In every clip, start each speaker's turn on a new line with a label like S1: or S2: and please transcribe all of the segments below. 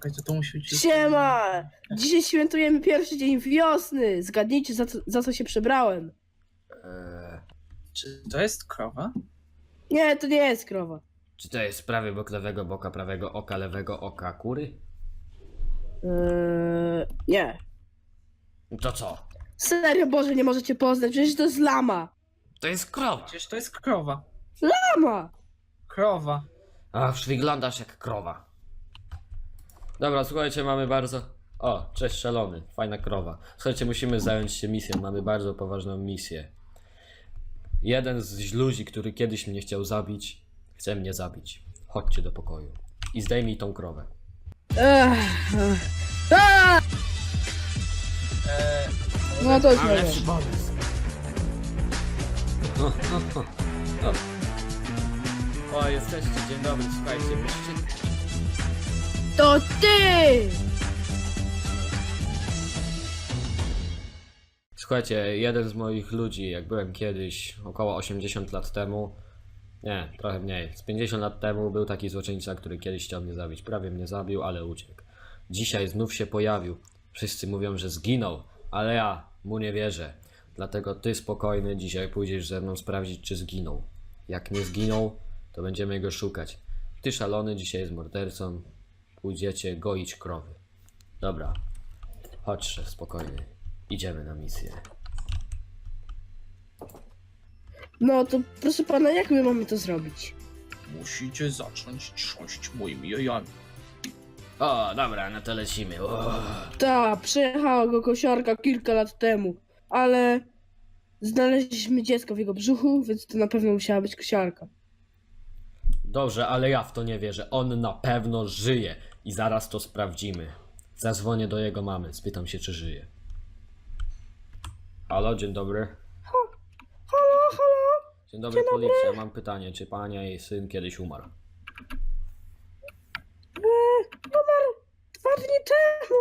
S1: Czekaj, to musi być...
S2: Siema! Dzisiaj świętujemy pierwszy dzień wiosny. Zgadnijcie, za co się przebrałem.
S1: Czy to jest krowa?
S2: Nie, to nie jest krowa.
S3: Czy to jest prawy bok lewego boka, prawego oka, lewego oka kury?
S2: Nie.
S3: To co?
S2: Serio, Boże, nie możecie poznać, przecież to jest lama.
S3: To jest krowa.
S1: Przecież to jest krowa.
S2: Lama!
S1: Krowa.
S3: Ach, wyglądasz jak krowa. Dobra, słuchajcie, mamy bardzo... O, cześć szalony, fajna krowa. Słuchajcie, musimy zająć się misją, mamy bardzo poważną misję. Jeden z ludzi, który kiedyś mnie chciał zabić, chce mnie zabić. Chodźcie do pokoju i zdejmij tą krowę.
S2: No to jest
S3: Mam
S2: moje.
S3: lepszy pomysł. O, jesteście, dzień dobry, słuchajcie, musicie...
S2: To ty!
S3: Słuchajcie, jeden z moich ludzi, jak byłem kiedyś, około 80 lat temu, nie, trochę mniej, z 50 lat temu był taki złoczyńca, który kiedyś chciał mnie zabić. Prawie mnie zabił, ale uciekł. Dzisiaj znów się pojawił. Wszyscy mówią, że zginął, ale ja mu nie wierzę. Dlatego ty spokojny, dzisiaj pójdziesz ze mną sprawdzić, czy zginął. Jak nie zginął, to będziemy go szukać. Ty szalony, dzisiaj jest mordercą. Pójdziecie goić krowy. Dobra, chodź szef, spokojny. Idziemy na misję.
S2: No to proszę pana, jak my mamy to zrobić?
S1: Musicie zacząć trząść moimi jajami.
S3: O, dobra, no to lecimy. O.
S2: Ta, przejechała go kosiarka kilka lat temu, ale znaleźliśmy dziecko w jego brzuchu, więc to na pewno musiała być kosiarka.
S3: Dobrze, ale ja w to nie wierzę. On na pewno żyje i zaraz to sprawdzimy. Zadzwonię do jego mamy, spytam się, czy żyje. Halo, dzień dobry.
S2: Halo?
S3: Dzień dobry, policja. Mam pytanie, czy pani i jej syn kiedyś umarł?
S2: Umarł 2 dni temu.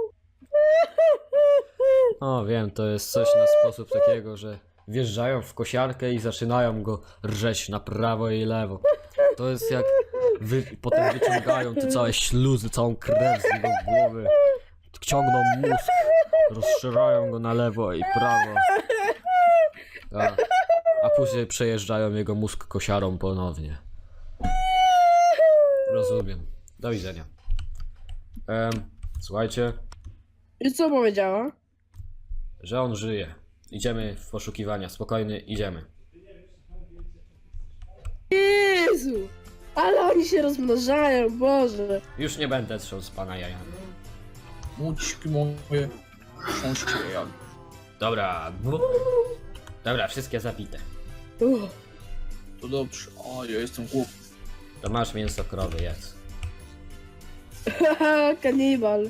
S3: O, wiem, to jest coś na sposób takiego, że wjeżdżają w kosiarkę i zaczynają go rżeć na prawo i lewo. To jest jak potem wyciągają te całe śluzy, całą krew z jego głowy. Ciągną mózg, rozszerzają go na lewo i prawo. A później przejeżdżają jego mózg kosiarą ponownie. Rozumiem. Do widzenia. Słuchajcie,
S2: I co powiedziała?
S3: że on żyje. Idziemy w poszukiwania. Spokojny, idziemy.
S2: Jezu! Ale oni się rozmnażają, Boże!
S3: Już nie będę trząsł z pana jajami.
S1: Mućki moje, trząście jajami.
S3: Dobra. Dobra, wszystkie zabite.
S1: To dobrze. A, ja jestem głupi.
S3: To masz mięso krowy, jest.
S2: Haha, kanibal.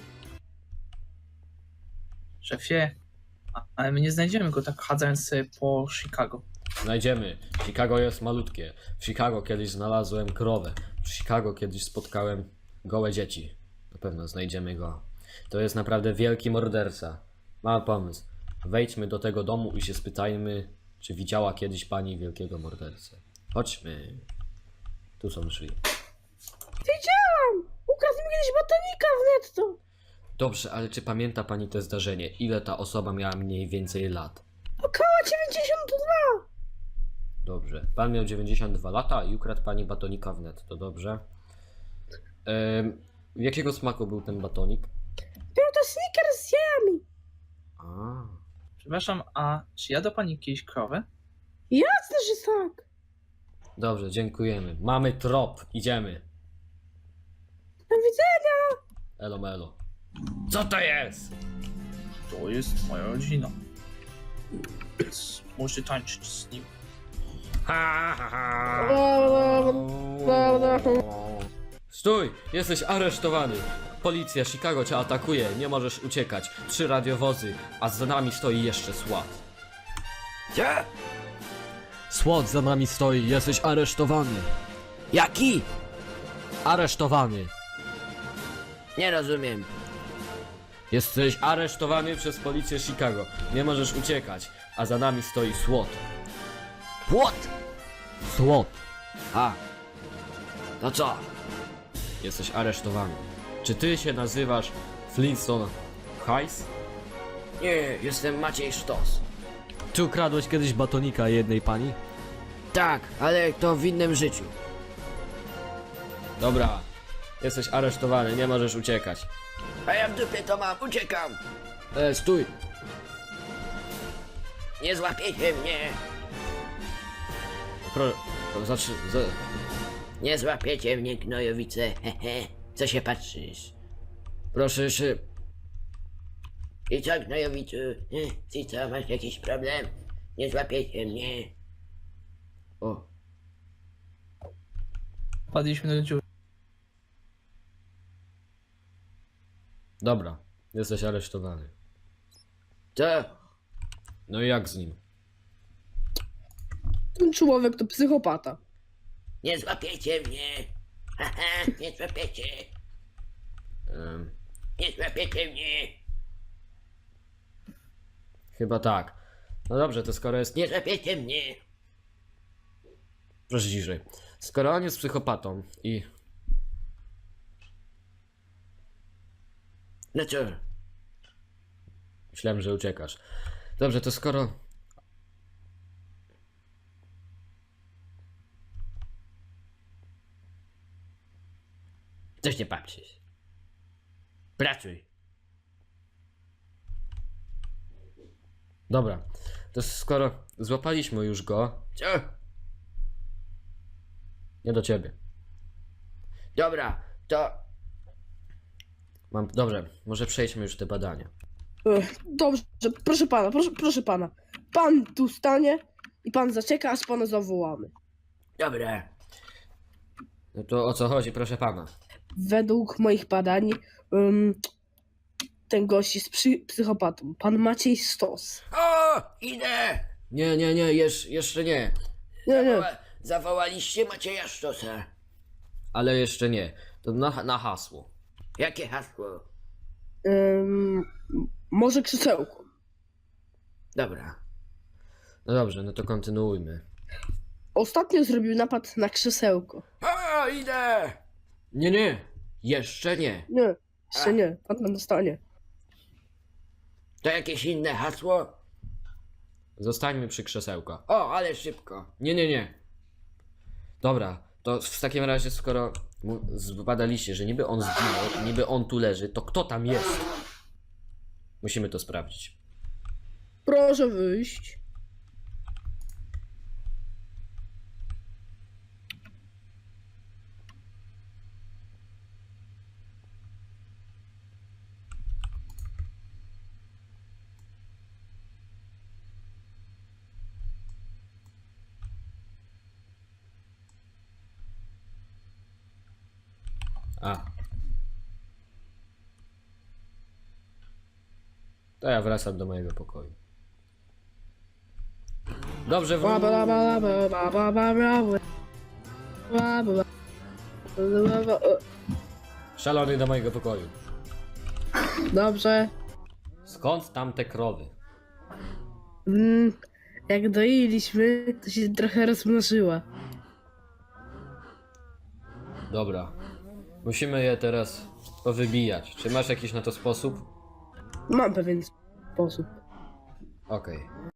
S1: Szefie, ale my nie znajdziemy go tak chadzając sobie po Chicago.
S3: Znajdziemy. Chicago jest malutkie. W Chicago kiedyś znalazłem krowę. W Chicago kiedyś spotkałem gołe dzieci. Na pewno znajdziemy go. To jest naprawdę wielki morderca. Mam pomysł. Wejdźmy do tego domu i się spytajmy, czy widziała kiedyś pani wielkiego mordercę. Chodźmy. Tu są drzwi.
S2: Wiedziałam! Ukradł mi kiedyś batonika w netto.
S3: Dobrze, ale czy pamięta pani to zdarzenie? Ile ta osoba miała mniej więcej lat?
S2: Około 92.
S3: Dobrze. Pan miał 92 lata i ukradł pani batonika w netto. Dobrze. Jakiego smaku był ten batonik?
S2: Był to Snickers z jajami.
S3: A,
S1: Przepraszam, a czy jadła pani kiedyś krowę?
S2: Jasne, że tak.
S3: dobrze, dziękujemy. Mamy trop. Idziemy.
S2: Do widzenia.
S3: Elo melo. Co to jest?
S1: To jest moja rodzina. Więc możecie tańczyć z nim.
S3: Ha, ha, ha. Stój! Jesteś aresztowany! Policja Chicago cię atakuje, nie możesz uciekać. 3 radiowozy, a za nami stoi jeszcze SWAT. Gdzie? SWAT za nami stoi, jesteś aresztowany. Jaki? Aresztowany.
S4: Nie rozumiem.
S3: Jesteś aresztowany przez policję Chicago. Nie możesz uciekać, a za nami stoi SWAT.
S4: Płot!
S3: SWAT.
S4: A. To co?
S3: Jesteś aresztowany. Czy ty się nazywasz Flintstone Heiss?
S4: Nie, jestem Maciej Sztos.
S3: Czy ukradłeś kiedyś batonika jednej pani?
S4: Tak, ale to w innym życiu.
S3: Dobra, jesteś aresztowany, nie możesz uciekać.
S4: A ja w dupie to mam, uciekam.
S3: Stój!
S4: Nie złapiecie mnie.
S3: Znaczy,
S4: Nie złapiecie mnie, gnojowice. Hehe. Co się patrzysz?
S3: proszę się...
S4: I co, gnojowicu? Ty co, masz jakiś problem? Nie złapiecie mnie.
S3: O,
S1: Padliśmy do dziury.
S3: dobra, jesteś aresztowany.
S4: Co?
S3: No i jak z nim?
S2: Ten człowiek to psychopata.
S4: Nie złapiecie mnie. Haha, nie złapiecie.
S3: Em,
S4: Nie złapiecie mnie.
S3: chyba tak. No dobrze, to skoro jest...
S4: Nie złapiecie mnie.
S3: Proszę ciszej. Skoro on jest psychopatą i...
S4: No co?
S3: Myślałem, że uciekasz. Dobrze, to skoro...
S4: Coś nie patrzysz. Pracuj.
S3: Dobra, to skoro złapaliśmy już go...
S4: Co?
S3: Nie do ciebie.
S4: Dobra, to...
S3: Dobrze, może przejdźmy już te badania.
S2: Dobrze, proszę pana, proszę pana. Pan tu stanie i pan zaczeka, aż pana zawołamy.
S4: Dobra.
S3: No to o co chodzi, proszę pana?
S2: Według moich badań ten gość jest psychopatą. Pan Maciej Stos.
S4: O! Idę!
S3: Nie, jeszcze nie.
S2: Nie.
S4: Zawołaliście Macieja Sztosa.
S3: Ale jeszcze nie. To na hasło.
S4: Jakie hasło?
S2: Może krzesełko.
S4: Dobra.
S3: No dobrze, no to kontynuujmy.
S2: Ostatnio zrobił napad na krzesełko.
S4: O! Idę!
S3: Nie, jeszcze nie.
S2: Nie, jeszcze nie. Pan tam dostanie.
S4: To jakieś inne hasło?
S3: Zostańmy przy krzesełka.
S4: O, ale szybko.
S3: Nie. Dobra, to w takim razie, skoro zbadaliście, że niby on zginął, niby on tu leży, to kto tam jest? Musimy to sprawdzić.
S2: Proszę wyjść.
S3: A. To ja wracam do mojego pokoju. Dobrze, szalony do mojego pokoju.
S2: Dobrze.
S3: Skąd tam te krowy?
S2: Jak doiliśmy, to się trochę rozmnożyła.
S3: Dobra. Musimy je teraz powybijać. Czy masz jakiś na to sposób?
S2: Mam pewien sposób.
S3: Okej.